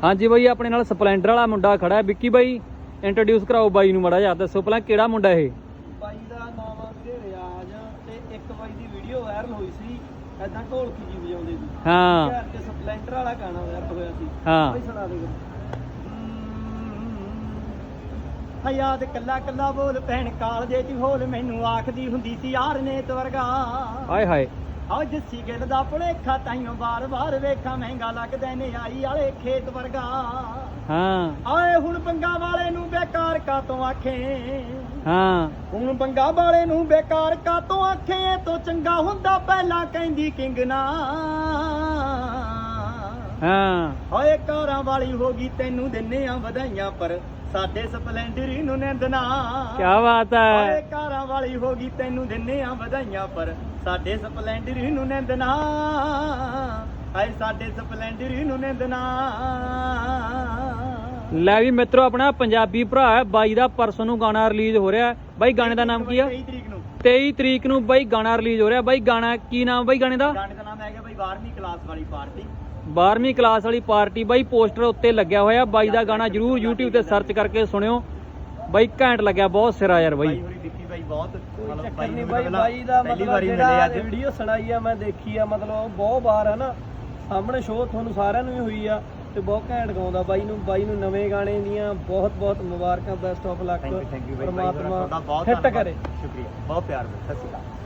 ਹਾਂਜੀ ਬਾਈ ਆਪਣੇ ਨਾਲ ਸਪਲੈਂਡਰ ਵਾਲਾ ਮੁੰਡਾ ਖੜਾ ਹੈ ਵਿੱਕੀ ਬਾਈ ਇੰਟਰੋਡਿਊਸ ਕਰਾਓ ਬਾਈ ਨੂੰ ਮਾੜਾ ਜਿਹਾ ਦੱਸੋ ਪਹਿਲਾਂ ਕਿਹੜਾ ਮੁੰਡਾ ਇਹ ਬਾਈ ਦਾ ਨਾਮ ਆ ਵੀਰੇ ਰਿਆਜ਼ ਤੇ ਇੱਕ ਬਾਈ ਦੀ ਵੀਡੀਓ ਵਾਇਰਲ ਹੋਈ ਸੀ ਐਦਾਂ ਢੋਲਕੀ ਜੀ ਵਜਾਉਂਦੇ ਸੀ ਹਾਂ ਤੇ ਸਪਲੈਂਡਰ ਵਾਲਾ ਗਾਣਾ ਵਾਇਰਲ ਹੋਇਆ ਸੀ ਹਾਂ ਬਾਈ ਸੁਣਾ ਦੇ ਯਾਦ ਕੱਲਾ ਕੱਲਾ ਬੋਲ ਭੈਣ ਕਾਲਜੇ ਚ ਹੋਲ ਮੈਨੂੰ ਆਖਦੀ ਹੁੰਦੀ ਸੀ ਯਾਰ ਨੇਤ ਵਰਗਾ ਹਾਏ ਹਾਏ ਆਹ ਜੱਸੀ ਗਿੱਲ ਦਾ ਭੁਲੇਖਾ ਤਾਈਓ ਬਾਰ-ਬਾਰ ਵੇਖਾਂ ਮਹਿੰਗਾ ਲੱਗਦਾ ਨੇ ਆਈ ਵਾਲੇ ਖੇਤ ਵਰਗਾ ਹਾਂ ਆਏ ਹੁਣ ਬੰਗਾ ਵਾਲੇ ਨੂੰ ਬੇਕਾਰ ਕਾਤੋਂ ਆਖੇ ਹਾਂ ਹੁਣ ਬੰਗਾ ਵਾਲੇ ਨੂੰ ਬੇਕਾਰ ਕਾਤੋਂ ਆਖੇ ਇਹ ਤੋਂ ਚੰਗਾ ਹੁੰਦਾ ਪਹਿਲਾਂ ਕਹਿੰਦੀ ਕਿੰਗ ਨਾ ਹਾਂ ਓਏ ਕਾਰਾਂ ਵਾਲੀ ਹੋ ਗਈ ਤੈਨੂੰ ਦਿੰਨੇ ਆ ਵਧਾਈਆਂ ਪਰ ਸਾਡੇ ਸਪਲੈਂਡਰ ਨੂੰ ਨਿੰਦਣਾ ਕੀ ਬਾਤ ਹੈ ਓਏ ਕਾਰਾਂ ਵਾਲੀ ਹੋ ਗਈ ਤੈਨੂੰ ਦਿੰਨੇ ਆ ਵਧਾਈਆਂ ਪਰ ਸਾਡੇ ਸਪਲੈਂਡਰ ਨੂੰ ਨਿੰਦਣਾ ਆਏ ਸਾਡੇ ਸਪਲੈਂਡਰ ਨੂੰ ਨਿੰਦਣਾ ਲੈ ਵੀ ਮਿੱਤਰੋ ਆਪਣਾ ਪੰਜਾਬੀ ਭਰਾ ਹੈ ਬਾਈ ਦਾ ਪਰਸੋਂ ਨੂੰ ਗਾਣਾ ਰਿਲੀਜ਼ ਹੋ ਰਿਹਾ ਬਾਈ ਗਾਣੇ ਦਾ ਨਾਮ ਕੀ ਆ 23 ਤਰੀਕ ਨੂੰ 23 ਤਰੀਕ ਨੂੰ ਬਾਈ ਗਾਣਾ ਰਿਲੀਜ਼ ਹੋ ਰਿਹਾ ਬਾਈ ਗਾਣਾ ਕੀ ਨਾਮ ਬਾਈ ਗਾਣੇ ਦਾ ਨਾਮ ਹੈਗਾ ਬਾਈ 12ਵੀਂ ਕਲਾਸ ਵਾਲੀ ਪਾਰਟੀ 12ਵੀਂ ਕਲਾਸ ਵਾਲੀ ਪਾਰਟੀ ਬਾਈ ਪੋਸਟਰ ਉੱਤੇ ਲੱਗਿਆ ਹੋਇਆ ਬਾਈ ਦਾ ਗਾਣਾ ਜਰੂਰ YouTube ਤੇ ਸਰਚ ਕਰਕੇ ਸੁਣਿਓ ਬਾਈ ਘੈਂਟ ਲੱਗਿਆ ਬਹੁਤ ਸਿਰਾ ਯਾਰ ਬਾਈ ਵਿੱਕੀ ਬਾਈ ਬਹੁਤ ਚੱਕਰ ਨਹੀਂ ਬਾਈ ਦਾ ਮਤਲਬ ਜਿਹੜਾ ਵੀਡੀਓ ਸੁਣਾਈ ਆ ਮੈਂ ਦੇਖੀ ਆ ਮਤਲਬ ਬਹੁਤ ਵਾਰ ਹੈ ਨਾ ਸਾਹਮਣੇ ਸ਼ੋਅ ਤੁਹਾਨੂੰ ਸਾਰਿਆਂ ਨੂੰ ਵੀ ਹੋਈ ਆ ਤੇ ਬਹੁਤ ਘੈਂਟ ਗਾਉਂਦਾ ਬਾਈ ਨੂੰ ਨਵੇਂ ਗਾਣੇ ਦੀਆਂ ਬਹੁਤ ਬਹੁਤ ਮੁਬਾਰਕਾਂ ਬੈਸਟ ਆਫ ਲੱਕ ਪਰਮਾਤਮਾ ਹਿੱਟ ਕਰੇ ਸ਼ੁਕਰੀਆ ਬਹੁਤ ਪਿਆਰ ਸਤਿ ਸ਼੍ਰੀ ਅਕਾਲ